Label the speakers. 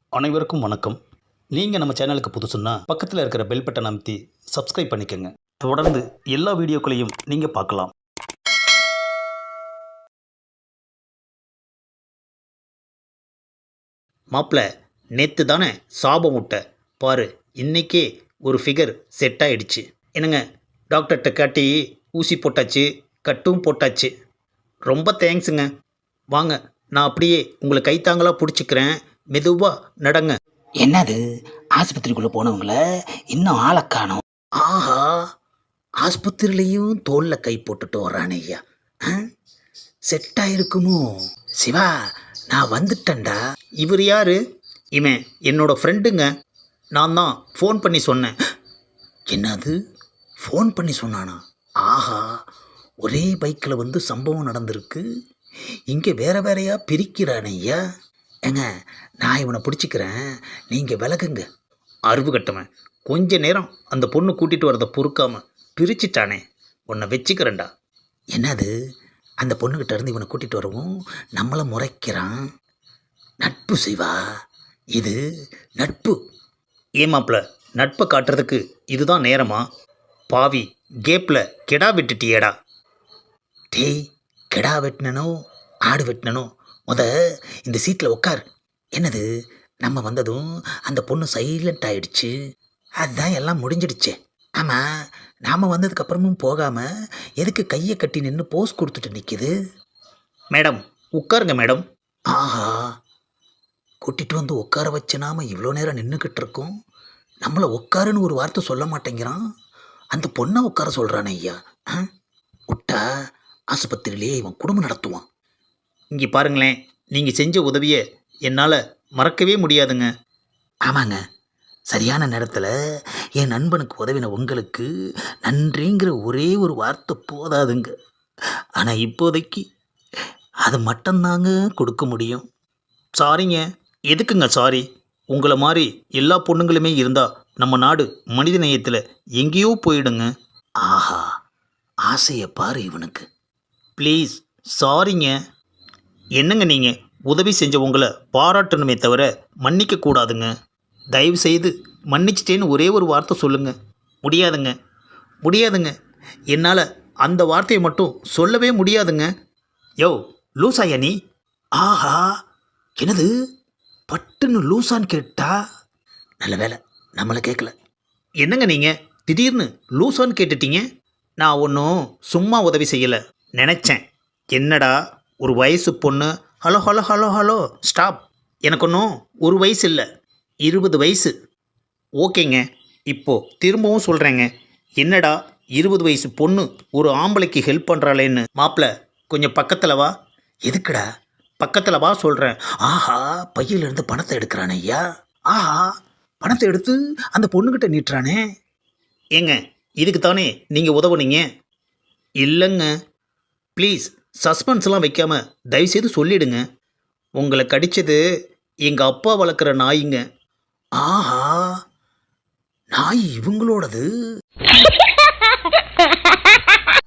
Speaker 1: அனைவருக்கும் வணக்கம். நீங்கள் நம்ம சேனலுக்கு புதுசுன்னா பக்கத்தில் இருக்கிற பெல் பட்டன் அமைத்தி சப்ஸ்கிரைப் பண்ணிக்கோங்க. தொடர்ந்து எல்லா வீடியோக்களையும் நீங்கள் பார்க்கலாம். மாப்பிள்ள, நேற்று தானே சாபம் விட்ட பாரு, இன்னைக்கே ஒரு ஃபிகர் செட் ஆயிடுச்சு. என்னங்க, டாக்டர்கிட்ட காட்டி ஊசி போட்டாச்சு, கட்டும் போட்டாச்சு. ரொம்ப தேங்க்ஸுங்க. வாங்க, நான் அப்படியே உங்களை கைத்தாங்களாக பிடிச்சிக்கிறேன். மெதுவாக நடங்க.
Speaker 2: என்னது, ஆஸ்பத்திரிக்குள்ளே போனவங்கள இன்னும் ஆளை காணோம்.
Speaker 3: ஆஹா, ஆஸ்பத்திரியிலையும் தோளில் கை போட்டுட்டு வர்றானே ஐயா. செட் ஆயிருக்குமோ? சிவா, நான் வந்துட்டேன்டா.
Speaker 1: இவர் யாரு? இவன் என்னோட ஃப்ரெண்டுங்க. நான் தான் ஃபோன் பண்ணி சொன்னேன்.
Speaker 3: என்னது, ஃபோன் பண்ணி சொன்னானா? ஆஹா, ஒரே பைக்கில் வந்து சம்பவம் நடந்திருக்கு. இங்கே வேற வேறையா பிரிக்கிறானே ஐயா. ஏங்க, நான் இவனை பிடிச்சிக்கிறேன், நீங்கள் விலகுங்க.
Speaker 1: அறிவு கட்டவன், கொஞ்ச நேரம் அந்த பொண்ணு கூட்டிகிட்டு வரதை பொறுக்காம பிரிச்சிட்டானே, உன்னை வச்சுக்கிறேன்டா.
Speaker 3: என்னது, அந்த பொண்ணுக்கிட்ட இருந்து இவனை கூட்டிகிட்டு வரவும் நம்மளை முறைக்கிறான். நட்பு சிவா, இது நட்பு.
Speaker 1: ஏமாப்பிள்ள, நட்பை காட்டுறதுக்கு இதுதான் நேரமா? பாவி, கேப்பில் கெடா விட்டுட்டியேடா.
Speaker 3: டேய், கெடா வெட்டினனோ ஆடு வெட்டினனோ, இந்த சீட்டில் உட்கார். என்னது, நம்ம வந்ததும் அந்த பொண்ணு சைலண்ட் ஆயிடுச்சு. அதுதான் எல்லாம் முடிஞ்சிடுச்சே. ஆமாம், நாம் வந்ததுக்கப்புறமும் போகாமல் எதுக்கு கையை கட்டி நின்று போஸ் கொடுத்துட்டு நிற்கிது?
Speaker 1: மேடம், உட்காருங்க மேடம்.
Speaker 3: ஆஹா, கூட்டிகிட்டு வந்து உட்கார வச்ச நாம இவ்வளோ நேரம் நின்றுக்கிட்டு இருக்கோம். நம்மளை உட்காருன்னு ஒரு வார்த்தை சொல்ல மாட்டேங்கிறான். அந்த பொண்ணை உட்கார சொல்கிறானே ஐயா. விட்டா ஆஸ்பத்திரியிலே இவன் குடும்பம் நடத்துவான்.
Speaker 1: இங்கே பாருங்களேன், நீங்கள் செஞ்ச உதவியை என்னால் மறக்கவே முடியாதுங்க.
Speaker 3: ஆமாங்க, சரியான நேரத்தில் என் நண்பனுக்கு உதவின உங்களுக்கு நன்றிங்கிற ஒரே ஒரு வார்த்தை போதாதுங்க. ஆனால் இப்போதைக்கு அது மட்டும்தாங்க கொடுக்க முடியும்.
Speaker 1: சாரிங்க. எதுக்குங்க சாரி? உங்களை மாதிரி எல்லா பொண்ணுங்களுமே இருந்தால் நம்ம நாடு மனித நேயத்தில் எங்கேயோ போயிடுங்க.
Speaker 3: ஆஹா, ஆசையை பாரு இவனுக்கு.
Speaker 1: ப்ளீஸ், சாரிங்க. என்னங்க, நீங்கள் உதவி செஞ்ச உங்களை பாராட்டணுமே தவிர மன்னிக்க கூடாதுங்க. தயவு செய்து மன்னிச்சிட்டேன்னு ஒரே ஒரு வார்த்தை சொல்லுங்கள். முடியாதுங்க, முடியாதுங்க. என்னால் அந்த வார்த்தையை மட்டும் சொல்லவே முடியாதுங்க. யோ, லூசாயா நீ?
Speaker 3: ஆஹா, என்னது, பட்டுன்னு லூசான்னு கேட்டா? நல்ல வேலை நம்மளை கேட்கல.
Speaker 1: என்னங்க நீங்கள் திடீர்னு லூசான்னு கேட்டுட்டீங்க? நான் ஒன்றும் சும்மா உதவி செய்யலை நினச்சேன். என்னடா ஒரு வயசு பொண்ணு, hello hello hello hello stop. எனக்கு ஒன்றும் ஒரு வயசு இல்லை, 20 வயசு. ஓகேங்க, இப்போது திரும்பவும் சொல்கிறேங்க. என்னடா 20 வயசு பொண்ணு ஒரு ஆம்பளைக்கு ஹெல்ப் பண்ணுறாளேன்னு. மாப்பிள்ள, கொஞ்சம் பக்கத்தில் வா.
Speaker 3: எதுக்குடா?
Speaker 1: பக்கத்தில் வா சொல்கிறேன்.
Speaker 3: ஆஹா, பையிலிருந்து பணத்தை எடுக்கிறானே ஐயா. ஆஹா, பணத்தை எடுத்து அந்த பொண்ணுக்கிட்ட நீட்டுறானே.
Speaker 1: ஏங்க, இதுக்கு தானே நீங்கள் உதவுனீங்க? இல்லைங்க, ப்ளீஸ் சஸ்பென்ஸ்லாம் வைக்காமல் தயவுசெய்து சொல்லிடுங்க. உங்களை கடித்தது எங்கள் அப்பா வளர்க்குற நாய்ங்க.
Speaker 3: ஆஹா, நாய் இவங்களோடது.